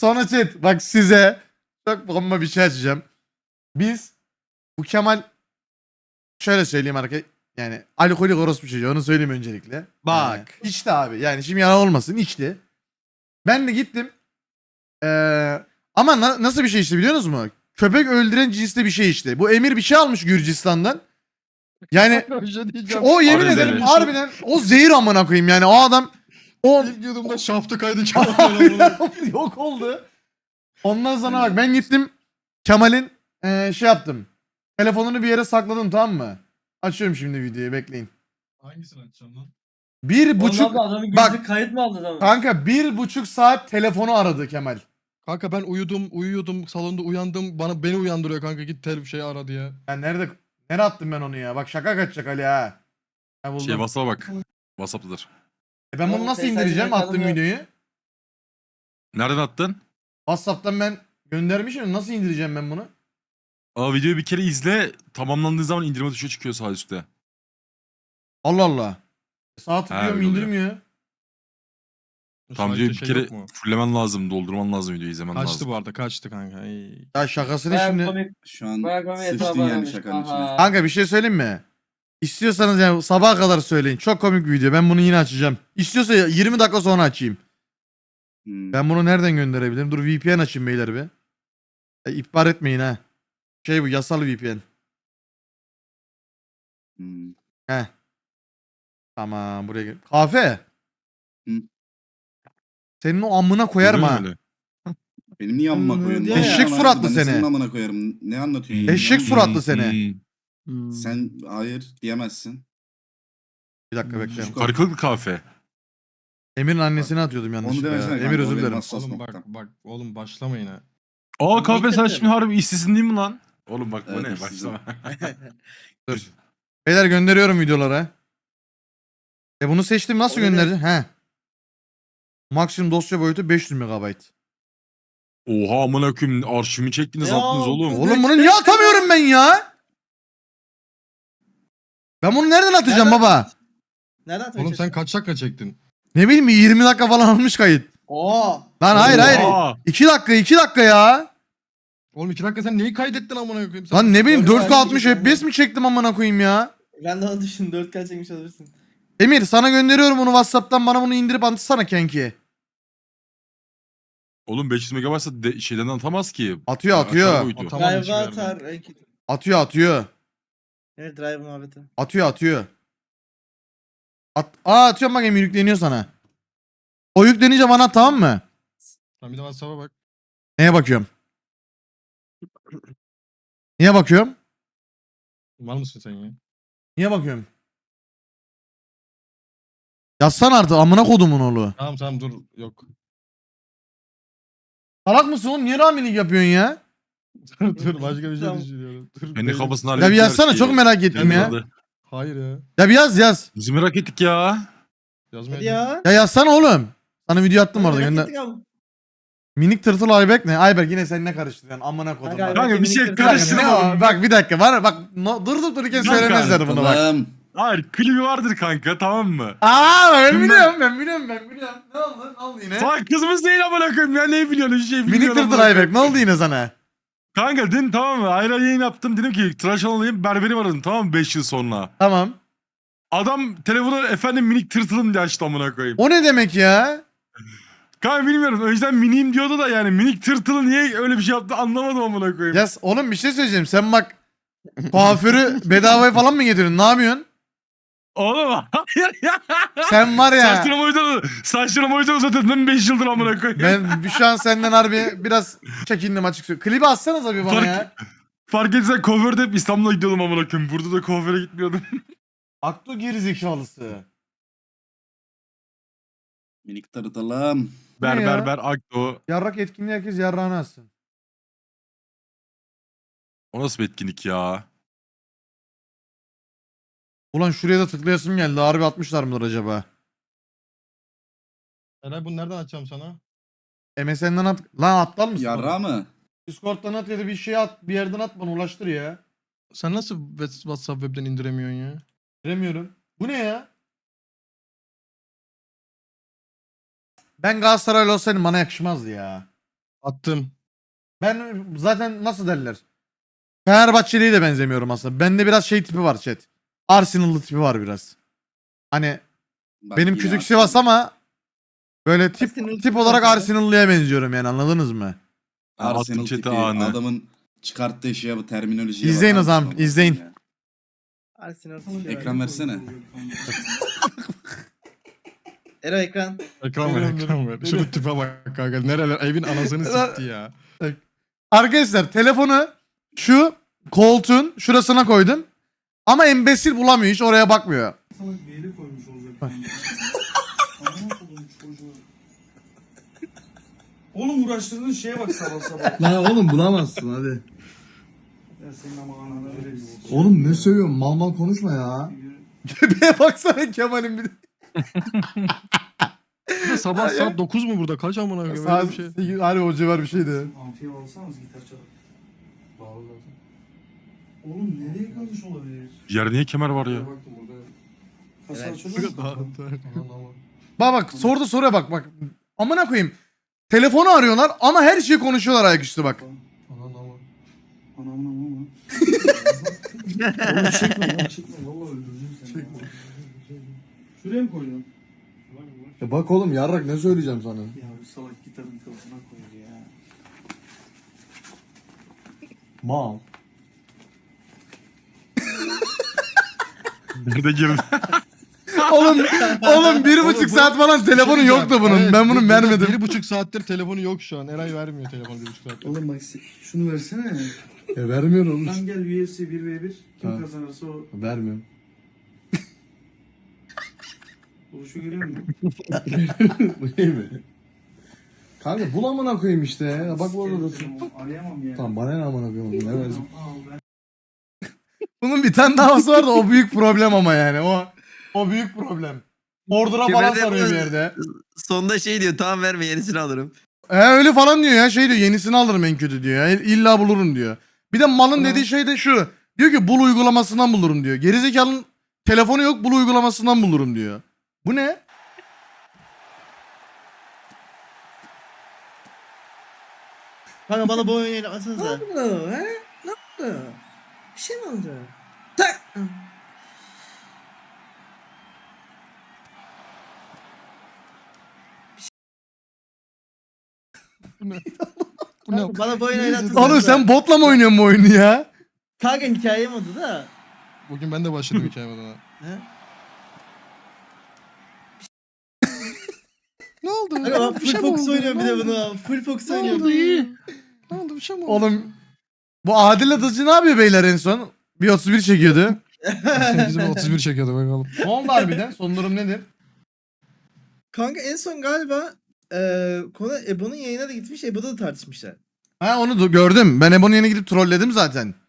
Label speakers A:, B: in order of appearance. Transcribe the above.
A: Sonra chat bak size çok bomba bir şey açacağım. Biz bu Kemal şöyle söyleyeyim arkadaşlar. Yani alkolik orospu çocuğu onu söyleyeyim öncelikle.
B: Bak.
A: İçti abi. Yani şimdi yalan olmasın içti. Ben de gittim. Ama nasıl bir şey içti biliyor musunuz mu? Köpek öldüren cinste bir şey içti. Bu Emir bir şey almış Gürcistan'dan. Yani
B: Bir şey diyeceğim.
A: o yemin
C: Arı
A: ederim
C: zehri.
A: harbiden o zehir amına koyayım yani o adam o
B: İlk yudumda şaftı kaydı Kemal'e.
A: yok oldu. Ondan sonra bak ben gittim Kemal'in şey yaptım. Telefonunu bir yere sakladım tamam mı? Açıyorum şimdi videoyu bekleyin.
B: Hangisini açacağım lan?
A: Bir buçuk
D: Ondan da adamın
A: bak-
D: gözü kayıt mı aldı adamın?
A: kanka 1,5 saat telefonu aradı Kemal.
B: Kanka ben uyuyordum salonda uyandım beni uyandırıyor kanka git şey ara diye.
A: Ya nereye attım ben onu ya? Bak şaka kaçacak Ali ha. Ha buldum.
C: Şey WhatsApp'a bak. WhatsApp'tadır.
A: Ben bunu
D: Oğlum,
A: nasıl
D: Face'den
A: indireceğim
D: bakalım
A: attığım
D: ya.
A: videoyu?
C: Nereden attın?
A: WhatsApp'tan ben göndermişim. Nasıl indireceğim ben bunu?
C: Videoyu bir kere izle. Tamamlandığı zaman indirme tuşu çıkıyor sağ üstte.
A: Allah Allah. Sağ tıklıyorum
C: öyle oluyor.
A: indirmiyor.
C: Tam
B: Sadece
C: videoyu bir
B: şey
C: kere
B: yok mu?
C: fullemen lazım. Doldurman lazım videoyu izlemen
B: Kaçtı
C: lazım.
B: bu arada kaçtı kanka. Ey.
A: Ya şakasını
D: Bayağı
A: şimdi.
D: komik.
E: Şu an
D: Bayağı komik
E: sıçtın
D: hesabı
E: yani
D: aramış.
E: şakanın içine.
D: Aha.
A: Kanka bir şey söyleyeyim mi? İstiyorsanız yani sabaha kadar söyleyin. Çok komik bir video. Ben bunu yine açacağım. İstiyorsa 20 dakika sonra açayım.
E: Hmm.
A: Ben bunu nereden gönderebilirim? Dur VPN açayım beyler bir. İhbar etmeyin ha. Şey bu yasal VPN.
E: Hmm.
A: He. Tamam buraya gel. Kahve.
E: Hı.
A: Senin o amına koyarım
C: Oluyor
A: ha.
C: mu öyle?
E: Benim niye amına koyuyorsun?
D: Diyor
E: Ne
D: ya.
A: Eşek
E: lan?
A: suratlı
E: Ben de
A: seni.
E: senin amına koyarım. Ne anlatıyorsun?
A: Eşek
E: ya?
A: suratlı seni.
E: Sen hayır diyemezsin.
A: Bir dakika bekle.
E: Çocuk-
C: Karıklık kahve.
A: Emir'in annesini atıyordum
E: Onu
A: yanlışlıkla ya.
E: demesene
A: Emir
E: kanka,
A: özür
E: o benim
A: dilerim.
E: hassas
B: Oğlum
E: noktam.
B: bak oğlum başlamayın ha.
C: Aa
D: Ben
C: kahve sen
D: bekledim.
C: şimdi harbi işsizsin değil mi lan? Oğlum bak bu
E: Evet,
C: ne?
E: işsizim.
C: Başlama.
A: Dur. Beyler gönderiyorum videolara. Bunu seçtim nasıl
D: O ne?
A: göndereceğim? He. Maksimum dosya boyutu 500 MB.
C: Oha amına koyayım arşivimi çektiniz
D: Ya,
C: attınız oğlum.
A: Oğlum bunu niye atamıyorum ben ya? Ben bunu nereden atacağım
D: Nereden-
A: baba?
D: Nereden atmaya
B: Oğlum sen
D: çalışıyorsun?
B: kaç dakika çektin?
A: Ne bileyim 20 dakika falan almış kayıt.
D: Oo.
A: Lan hayır
C: Oha.
A: hayır. 2 dakika ya.
B: Oğlum 2 dakika sen neyi kaydettin amına koyayım? Sen
A: Lan ne bileyim
D: Doğru
A: 4K 60
D: kaydedeceğim
A: FPS mi çektim amına koyayım ya?
D: Ben de onu düşün 4K çekmiş olabilirsin.
A: Emir sana gönderiyorum bunu WhatsApp'tan bana bunu indirip atsana kanki.
C: Oğlum 500 megabaytsa şeyden atamaz ki.
A: Atıyor,
C: Aşağı
A: atıyor.
C: boyutu.
B: Atamam hiçbir
D: Drive'a
B: yerden.
D: atar. en kötü.
A: Atıyor.
D: Evet drive muhabbeti.
A: Atıyor. Atıyorum bak Emir yükleniyor sana. O yüklenince bana at tamam mı?
B: Sen bir de WhatsApp'a bak.
A: Neye bakıyorum? Niye bakıyorum?
B: Var mısın sen ya?
A: Niye bakıyorum? Yazsana artık amına kodumun oğlu.
B: Tamam dur yok.
A: Salak mısın oğlum? Niye ramilik yapıyorsun ya?
B: Dur başka bir şey
D: Tamam.
B: düşünüyorum. Dur.
C: Kendi kafasını
A: Ya bir
C: hallettiler
A: yazsana
C: şeyi.
A: çok merak ettim
C: Kendi
A: ya.
C: adı.
B: Hayır ya.
A: Ya bir yaz.
C: Biz merak ettik ya.
B: Yazmaya
D: Hadi ya.
A: Ya yazsana oğlum. Sana video attım orada
D: Merak
A: gönder.
D: ettik ama.
A: Minik tırtıl Ayberk ne? Ayberk yine sen ne karıştırıyorsun? Amına kodum.
D: Kanka,
A: bak.
C: Kanka bir şey
D: minik
A: Bir dakika,
C: karıştırma
A: ne o?
C: oğlum.
A: Bak bir dakika var bak durup dururken
C: Kanka,
A: söylemezler bunu bak.
E: Tamam.
C: Hayır klibi vardır kanka tamam mı?
A: Ben
C: Şimdi
A: biliyorum. Ne oldu yine?
C: Sen kızımız değil amına koyayım ya ne biliyorsun hiç şey
A: Minik
C: bilmiyorum.
A: tırtıl
C: amına
A: Ayberk
C: koyayım.
A: ne oldu yine sana?
C: Kanka dün tamam mı ayrı yayın yaptım dedim ki tıraş olayım berberim aradım tamam mı 5 yıl sonra.
A: Tamam.
C: Adam telefonu efendim minik tırtılım diye açtı amına koyayım.
A: O ne demek ya?
C: Kanka bilmiyorum önceden miniyim diyordu da yani minik tırtılı niye öyle bir şey yaptı anlamadım amına koyayım.
A: Ya oğlum bir şey söyleyeceğim. Sen bak kuaförü bedavaya falan mı getiriyorsun? Ne yapıyorsun?
C: Oğlum hayır ya.
A: Sen var ya.
C: Saçlarımı o yüzden uzatıyordum 5 yıldır amına koyayım.
A: Ben şu an senden harbi biraz çekindim açık söyleyeyim. Klibi atsanıza bir bana
C: Fark-
A: ya.
C: Fark etsen kuaförde hep İstanbul'a gidiyordum amına koyayım. Burada da kuaföre gitmiyordum.
A: Aklı gerizekalısı.
E: Minik tırtılım.
C: Ber
A: ya?
C: ber ber akto.
A: Yarrak etkinliği herkes yarrağını atsın.
C: O nasıl bir etkinlik ya?
A: Ulan şuraya da tıklayasım geldi. Harbi atmışlar mıdır acaba?
B: Eray bunu nereden açacağım sana?
A: MSN'den at. Lan aptal mısın?
E: Yarra mı?
A: Discord'dan at ya da bir şey at. Bir yerden at bana ulaştır ya.
B: Sen nasıl WhatsApp web'den indiremiyorsun ya?
A: Bilemiyorum. Bu ne ya? Ben Galatasaraylı olsaydım bana yakışmazdı ya.
B: Attım.
A: Ben zaten nasıl derler? Fenerbahçeli'ye de benzemiyorum aslında. Bende biraz şey tipi var chat. Arsenal'lı tipi var biraz. Hani
E: Bak
A: benim
E: yine
A: küçük
E: Arsenal.
A: Sivas ama böyle
D: Arsenal
A: tip
D: tipi
A: olarak
D: var.
A: Arsenal'lıya benziyorum yani, anladınız mı?
E: Arsenal
C: Attım chat'e
E: tipi
C: anı.
E: adamın çıkarttığı şeye bu terminolojiye
A: İzleyin
E: bakar
A: o zaman,
E: mısın olmazsa
A: izleyin.
E: ya?
D: Arsenal.
E: Ekran versene.
D: Ero ekran.
B: Ekran ver ekran ver. Şunu tipe bak kanka. Nereler evin anasını sikti ya.
A: Arkadaşlar telefonu şu koltuğun şurasına koydum. Ama embesil bulamıyor, hiç oraya bakmıyor.
F: Oğlum uğraştırdığın şeye bak sabah sabah.
G: Lan oğlum bulamazsın hadi.
F: Ya senin amanına öyle
G: Oğlum ne söylüyorsun? Mal mal konuşma ya.
A: Göbeğe baksana Kemal'in bir de.
B: Bir de sabah saat 9 mu burada? Kaç amına koyayım? Öyle
A: Saat
B: bir şey.
A: 8, hani o civar bir şeydi.
F: Amfiye alsanız gitar çalıp. Bağlı zaten. Oğlum nereye kalmış olabilir?
C: Yerde niye kemer var ya?
F: Baktım burada. Kasa
D: Evet.
F: açılıyor mu?
B: Dağıntı.
F: Aman aman.
A: Bak sordu soruya bak. Amına koyayım. Telefonu arıyorlar ama her şeyi konuşuyorlar ayaküstü bak.
F: Aman aman. Aman aman aman. Oğlum çekme lan çekme. Valla öldürürüm seni. Çekme. Şuraya mı koydun?
G: Ya bak oğlum yarrak ne söyleyeceğim sana?
F: Ya bu salak gitarın kafasına koydu ya.
G: Mal.
C: Nerede girdi?
A: Oğlum 1,5 saat falan telefonu
B: Şey
A: yoktu bunun.
B: evet,
A: Ben bunu
B: burada
A: vermedim.
B: 1,5 saattir telefonu yok şu an. Eray vermiyor telefonu 1,5 saattir.
F: Oğlum bak şunu versene.
G: Ya vermiyor oğlum.
F: Lan gel UFC 1v1. Kim
G: Ha.
F: kazanırsa o.
G: Vermiyorum.
F: Oluşu görüyor musun?
G: Bu iyi mi? Kanka bul amına koyayım işte ya. Bak bu arada dursun.
F: Arayamam ya.
G: Tamam bana ne amına koyayım oğlum, ne verdim?
F: Al ben.
A: Bunun bir tane davası var da o büyük problem ama yani. O büyük problem. Bordura falan
H: Kemerde
A: sarıyor bir
H: bu-
A: yerde.
H: Sonunda şey diyor tamam verme yenisini alırım.
A: Öyle falan diyor ya, şey diyor, yenisini alırım en kötü diyor ya. İlla bulurum diyor. Bir de malın dediği şey de şu. Diyor ki bul uygulamasından bulurum diyor. Gerizekalının telefonu yok, bul uygulamasından bulurum diyor. Bu ne?
D: Kanka bana bu oyunu atsanıza. Ne oldu he? Ne oldu? Bir şey mi oldu? Tak!
B: Bu ne?
D: Kanka bana bu oyunu oynatsanıza.
A: Oğlum sen botla mı oynuyorsun bu oyunu ya?
D: Kanka hikaye modu da.
B: Bugün ben de başladım hikayeme daha.
D: He?
B: Ne oldu?
D: Kanka ben
B: Bir
D: full
B: şey mi
D: focus
B: oldu?
D: oynuyorum bir
B: Ne
D: de
B: oldu?
D: bunu. Full focus
B: Ne oldu?
D: oynuyorum.
B: Ne oldu? Bir şey mi oldu?
A: Oğlum bu Adil Atıcı ne yapıyor beyler en son? Bir 31 çekiyordu.
B: Bizim 31 çekiyordu bakalım.
A: Ne oldu harbiden? Son durum nedir?
D: Kanka en son galiba konu Ebo'nun yayına da gitmiş. Ebo'da da tartışmışlar.
A: Ha onu da gördüm. Ben Ebon'un yerine gidip trolledim zaten.